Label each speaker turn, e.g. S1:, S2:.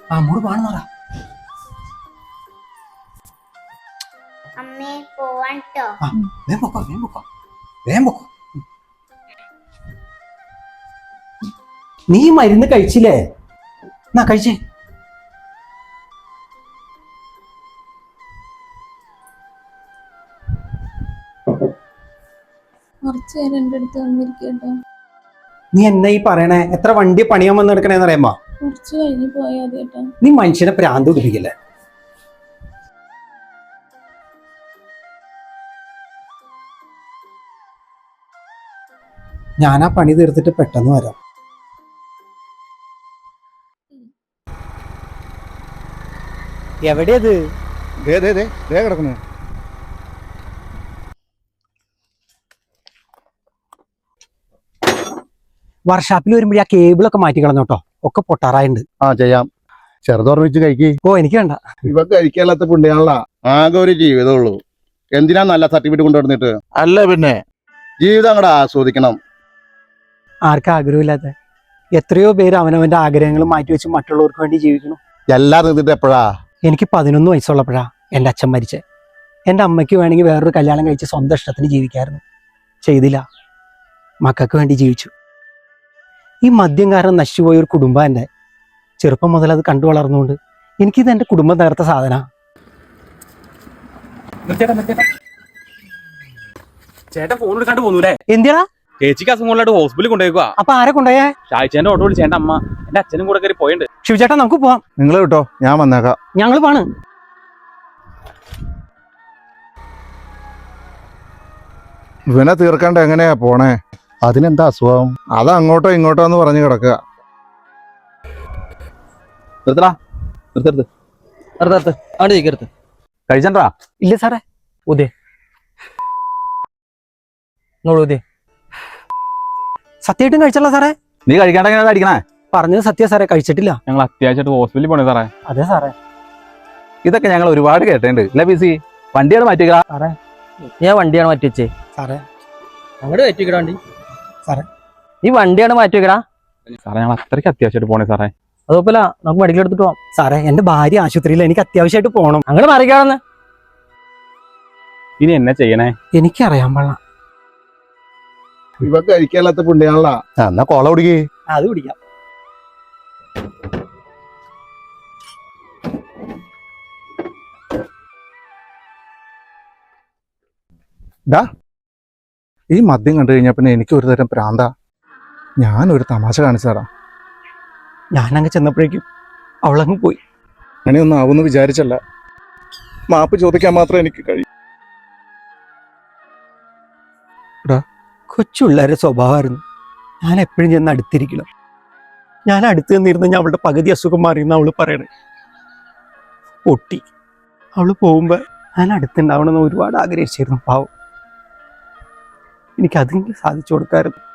S1: അമ്മോട് പാണെന്ന് പറ.
S2: അമ്മേ പോവാൻ ട്ടോ.
S1: വേഗം പൊക്കോ, വേഗം പൊക്കോ, വേഗം പൊക്കോ. നീ മരുന്ന് കഴിച്ചില്ലേ? എന്നാ കഴിച്ചേ.
S3: കുറച്ചു നേരം എൻ്റെ അടുത്ത് വന്നിരിക്കട്ടോ.
S1: നീ എന്നാ ഈ പറയണേ? എത്ര വണ്ടി പണിയാൻ വന്ന് എടുക്കണേന്ന് അറിയാമോ?
S3: കുറച്ച് കഴിഞ്ഞ് പോയാൽ മതി കേട്ടോ.
S1: നീ മനുഷ്യനെ പ്രാന്ത് പിടിപ്പിക്കില്ലേ? ഞാനാ പണി തീർത്തിട്ട് പെട്ടെന്ന് വരാം. എവിടെയത്?
S4: കിടക്കുന്നു.
S1: വർഷാപ്പിൽ വരുമ്പോഴേ ആ കേബിളൊക്കെ മാറ്റി കളഞ്ഞോട്ടോ, ഒക്കെ പൊട്ടാറായിട്ടുണ്ട്.
S4: ആ ചെയ്യാം. ചെറുതോർമ്മിച്ച് കഴിക്ക്.
S1: ഓ എനിക്ക് വേണ്ട.
S4: ഇവ കഴിക്കാത്ത പുണ്യാളാ. ആകെ ഒരു ജീവിതമുള്ളൂ. എന്തിനാ നല്ല സർട്ടിഫിക്കറ്റ് കൊണ്ടുവന്നിട്ട്? അല്ല പിന്നെ ജീവിതം അങ്ങടെ ആസ്വദിക്കണം.
S1: ആർക്കും ആഗ്രഹമില്ലാത്ത എത്രയോ പേര് അവനവന്റെ ആഗ്രഹങ്ങൾ മാറ്റിവെച്ച് മറ്റുള്ളവർക്ക് വേണ്ടി ജീവിക്കണം.
S4: എല്ലാം നിന്നിട്ട് എപ്പോഴാ?
S1: എനിക്ക് 11 വയസ്സുള്ളപ്പോഴാ എൻ്റെ അച്ഛൻ മരിച്ചേ. എൻ്റെ അമ്മയ്ക്ക് വേണമെങ്കിൽ വേറൊരു കല്യാണം കഴിച്ച് സ്വന്തം ഇഷ്ടത്തിന് ജീവിക്കായിരുന്നു. ചെയ്തില്ല. മക്കൾക്ക് വേണ്ടി ജീവിച്ചു. ഈ മദ്യം കാരണം നശിച്ചുപോയ ഒരു കുടുംബം എൻ്റെ. ചെറുപ്പം മുതൽ അത് കണ്ടു വളർന്നുകൊണ്ട് എനിക്കിത് എൻ്റെ കുടുംബം തകർത്ത സാധന.
S5: ചേട്ടൻ ഫോൺ എടുക്കാണ്ട് പോന്നൂലേ?
S1: എന്തിനാ?
S5: ചേച്ചിക്ക് അസുഖങ്ങളായിട്ട് ഹോസ്പിറ്റലിൽ കൊണ്ടുപോയിക്കുക.
S1: അപ്പൊ ആരെ കൊണ്ടുപോയേ?
S5: ഷായിച്ചേന്റെ ഓട്ടോ വിളിച്ച് എന്റെ അമ്മ എന്റെ അച്ഛനും കൂടെ കയറി പോയിട്ടുണ്ട്.
S1: ശിവചേട്ടാ നമുക്ക് പോവാം.
S4: നിങ്ങൾ കിട്ടോ, ഞാൻ വന്നേക്കാം.
S1: ഞങ്ങൾ പാണ്.
S4: ഇവനെ തീർക്കാണ്ട് എങ്ങനെയാ പോണേ? അതിനെന്താ അസുഖം? അത് അങ്ങോട്ടോ ഇങ്ങോട്ടോ എന്ന് പറഞ്ഞു കിടക്കുക.
S5: കഴിച്ചണ്ടാ?
S1: ഇല്ല സാറേ. ഉദേ സത്യമായിട്ടും കഴിച്ചല്ല സാറേ?
S5: നീ കഴിക്കാണ്ട് എങ്ങനെ അടിക്കണേ?
S1: പറഞ്ഞത് സത്യ സാറേ, കഴിച്ചിട്ടില്ല.
S5: ഞങ്ങൾ അത്യാവശ്യമായിട്ട് ഹോസ്പിറ്റലിൽ പോണേ സാറേ.
S1: അതെ സാറേ.
S5: ഇതൊക്കെ ഞങ്ങൾ ഒരുപാട് കേട്ടിട്ടുണ്ട് അല്ലേ ബിസി? വണ്ടിയാണ് മാറ്റിക്ക
S1: സാറേ.
S6: ഞാൻ വണ്ടിയാണ് മാറ്റി വെച്ചേ.
S1: സാറേ
S6: അങ്ങോട്ട് മാറ്റി വെക്കടാ വണ്ടി.
S1: സാറേ
S6: നീ വണ്ടിയാണ് മാറ്റി വെക്കടാ.
S5: സാറേ ഞങ്ങൾ അത്രയ്ക്ക് അത്യാവശ്യമായിട്ട് പോണേ സാറേ.
S6: അതുപോലെ നമുക്ക് മെഡിക്കൽ എടുത്തിട്ട് പോവാം.
S1: സാറേ എന്റെ ഭാര്യ ആശുപത്രിയിൽ, എനിക്ക് അത്യാവശ്യമായിട്ട് പോകണം.
S6: അങ്ങനെ മറിക്കാണെന്ന്
S5: ഇനി എന്നെ ചെയ്യണേ?
S1: എനിക്കറിയാൻ പാടില്ല.
S4: ഇവ കഴിക്കാത്ത പുണ്യാളാ. എന്നാ കോള കുടിക്കേ.
S1: അത് പിടിക്കാം.
S4: ഈ മദ്യം കണ്ടു കഴിഞ്ഞാൽ പിന്നെ എനിക്ക് ഒരു തരം പ്രാന്ത. ഞാനൊരു തമാശ കാണിച്ചു തരാം.
S1: ഞാനങ്ങ് ചെന്നപ്പോഴേക്കും അവളങ്ങ് പോയി.
S4: അങ്ങനെയൊന്നും ആവുമെന്ന് വിചാരിച്ചല്ല. മാപ്പ് ചോദിക്കാൻ മാത്രം എനിക്ക് കഴിയും.
S1: കൊച്ചുള്ളവരുടെ സ്വഭാവമായിരുന്നു. ഞാൻ എപ്പോഴും ചെന്ന് അടുത്തിരിക്കണം. ഞാൻ അടുത്ത് നിന്നിരുന്ന ഞാൻ അവളുടെ പകുതി അസുഖം മാറിയെന്ന് അവള് പറയണേ. പൊട്ടി. അവള് പോകുമ്പോ ഞാൻ അടുത്തുണ്ടാവണമെന്ന് ഒരുപാട് ആഗ്രഹിച്ചിരുന്നു. പാവം. എനിക്കതെങ്കിലും സാധിച്ചു കൊടുക്കാമായിരുന്നു.